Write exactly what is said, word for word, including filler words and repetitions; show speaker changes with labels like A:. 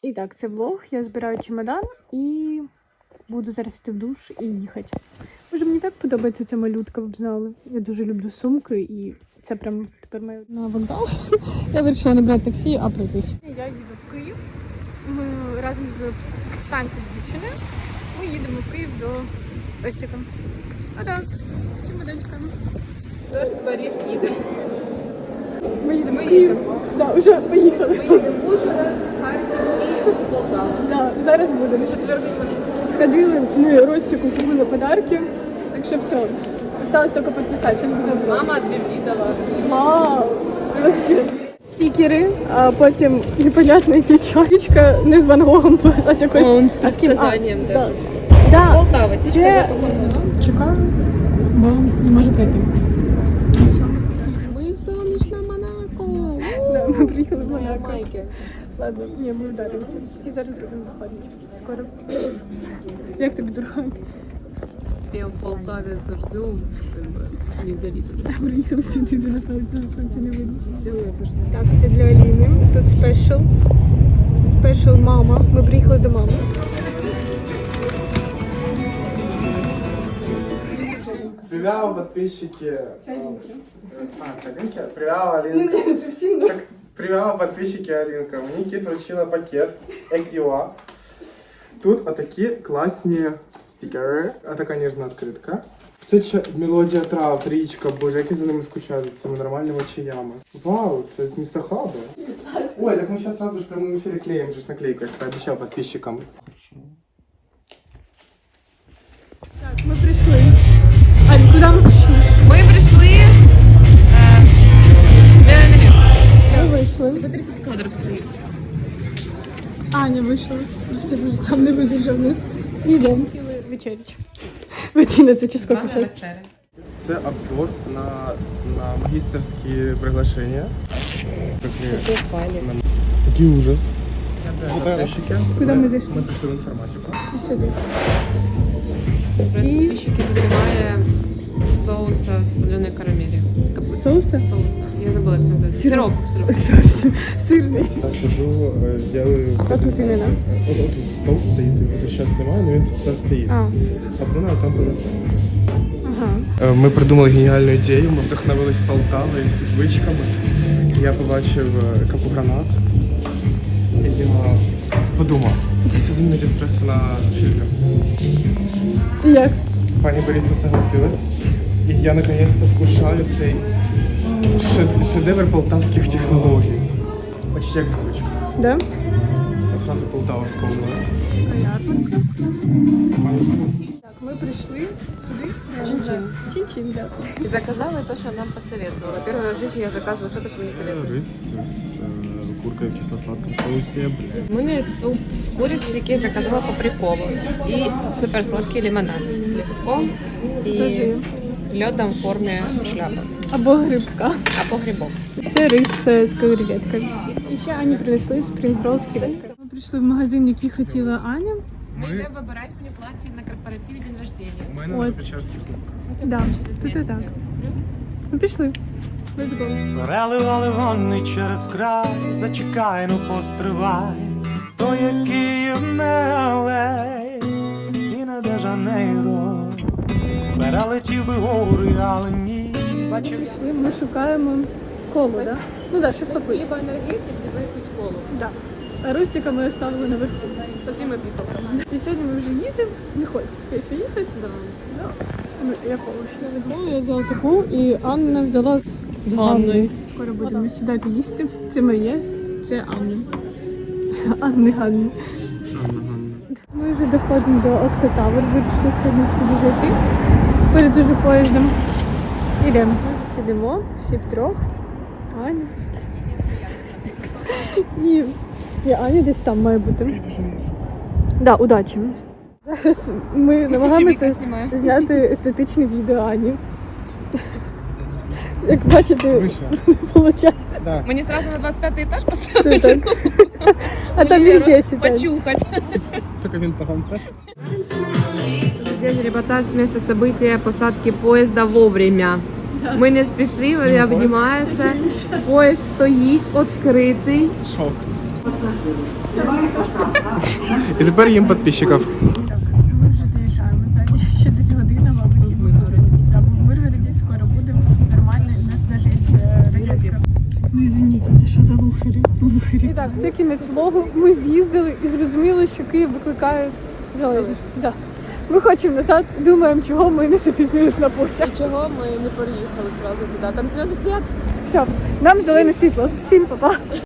A: І так, це влог. Я збираю чемодан і буду зараз йти в душ і їхати. Може, мені так подобається ця малютка, ви б знали. Я дуже люблю сумки і це прям тепер моє на вокзал. Я вирішила не брати таксі, а пройтись. Я їду в Київ. Ми разом з станцією дівчини. Ми їдемо в Київ до Ростіка. А так, з чемоданчиками.
B: Тож Борис їде.
A: Ми їдемо в Київ. Так, вже поїхали.
B: Ми їдемо в Ужгород, Харків і Полтаву.
A: Так, зараз будемо.
B: Четвертий маршрут.
A: Сходили, ми Ростику купили подарки, так що все. Осталось тільки підписати, зараз буде обзор.
B: Мама дві дала.
A: Вау, це вообще. Стікери, а потім непонятна печаточка, не з Ван Гогом, а з якоюсь...
B: Он
A: а з ким?
B: предсказанням
A: А,
B: даже.
A: Да.
B: З
A: Да.
B: Полтави, січка
A: Це-
B: за покупкою.
A: Чекаю, бо не можу пройти.
B: Ми в сонячне Монако.
A: Да, ми приїхали в Монако.
B: Майки.
A: Ладно, ні, ми вдаримося. І зараз будемо виходити. Скоро. Як тобі дорога?
B: Всі в Полтаві з дождем, как бы, не завидують.
A: Приїхали сюди, де нас навіть за сонця не видно.
B: Всі в дождем.
A: Так, це для Аліни. Тут спешл. Спешл мама. Ми приїхали до мами.
C: Привет, подписчики.
A: Це Алінка.
C: А, це Алінка? Привет, Алінка.
A: Ні, це всім не.
C: Так, привет, подписчики Алінка. Мені кіт вручила пакет Еківа. Тут отакі класні стікери. А така ніжна відкритка. Це ча- мелодія трав, річка, боже, як я за ними скучаю, за цими нормальними чаями. Вау, це з міста Хаба. Ой, так ми зараз сразу ж в прямому ефірі клеїмо же ж наклейку, я ж пообіцяв підписчикам.
A: Так, ми прийшли. Ань, куди ми прийшли?
B: Ми прийшли е,
A: Ми вийшли.
B: по тридцять кадрів стоїть.
A: Аня вийшла. Просто вже там не видержав нас. Йдемо. Хотіли вечерять. В одинадцять чи скільки зараз?
C: Це обзор на, на магістерські приглашення. Такі, Який ужас. Подписчики.
A: Куди ми зайшли?
C: Ми прийшли в інформатику.
A: І сюди.
B: Підписчики немає соуса з соленої карамелі.
A: Соуса?
B: Соуса. Я забула, як це називається. Сироп. Сироп.
A: Соус сирний.
C: Я сижу, е, делаю...
A: А тут іменно?
C: От, от тут стол стоїть, його зараз немає, але він тут зараз стоїть.
A: А,
C: А вона там буде.
A: ага.
C: Ми придумали геніальну ідею, ми вдохновились Полтавою, звичками. Я побачив е, капу-гранат. І я подумав, якщо замінити еспресо на фільтр.
A: І як?
C: Пані Борисна согласилась. І я наконец-то вкушаю цей шед- шедевр полтавських технологій. Почти як звичка.
A: Да?
C: Сразу Полтава вспомнилась.
A: Понятненько. Так, ми прийшли. Куди?
B: Чин-чин.
A: Чин-чин, да.
B: И заказала то, что нам посоветовала. Первый раз в жизни я заказываю что-то, что мне советуют.
C: Рис з е, куркою в кисло-сладкому соусі, блядь.
B: У мене суп з куриці, який я заказала по приколу. І суперсладкий лимонад з листком і
A: Скажи.
B: льодом в формі шляпи.
A: Або грибка.
B: Або грибок.
A: Це рис е, з креветкою. І ще Ані принесли спрінгрол з креветкою. Ми прийшли в магазин, який хотіла Аня.
B: Ми йдемо вибирати мені плаття на корпоративі день рождения.
C: У мене
A: От.
C: на Печерських кнопках.
A: Да, тут і так. Ми пішли. Let's go.
D: Переливали вони через край, зачекай, ну постривай, то є Київ, не Алей, і не Де-Жанейро. Перелетів би гори, але ні, бачив.
A: Пішли, ми шукаємо колу, так? Да? Ну так, да, щось попити.
B: Либо енергетик, либо якусь колу.
A: Да. А Рустика ми оставили наверху.
B: Совсем опікав.
A: І сьогодні ми вже їдемо. Не хочеться, звісно, їхати. Да. Да. Ну, я повищу. Я взяла таку, і Анна взяла з, з Ганною. Скоро будемо сідати їсти. Це моє, це Анна. Анни Ганни. Ми вже доходимо до Октотавр. Вирішили сьогодні сюди зайти. Перед уже поїздом. Ідемо. Ми вже сидимо, всі втрьох. Аня. І, і Аня десь там має бути. Да, удачі. Зараз ми намагаємося зняти естетичне відео Ані. Як бачите, виходить.
C: Да.
B: Мені сразу на двадцять п'ятий етаж
A: Це
B: поставити?
A: так. А там їх десять.
B: Почухать.
C: Тільки він там.
B: Здесь репортаж с места события посадки поезда вовремя. Ми не спішили, обнімається. Поїзд стоїть, відкритий.
C: Шок. І тепер їм підписчиків.
A: Так, ми вже доїжджаємо. Ззаді ще десь година, мабуть. В Миргороді. Там в Миргороді скоро будемо. Нормально, у нас навіть є розетка. Ну, извините, це що за лухарі? Лухарі. І так, це кінець влогу. Ми з'їздили і зрозуміли, що Київ викликає залежність. Да. Ми хочемо назад, думаємо, чого ми не запізнились на потяг.
B: І чого ми не переїхали зразу туди? Там зелений світ.
A: Все, нам зелене світло. Всім па-па.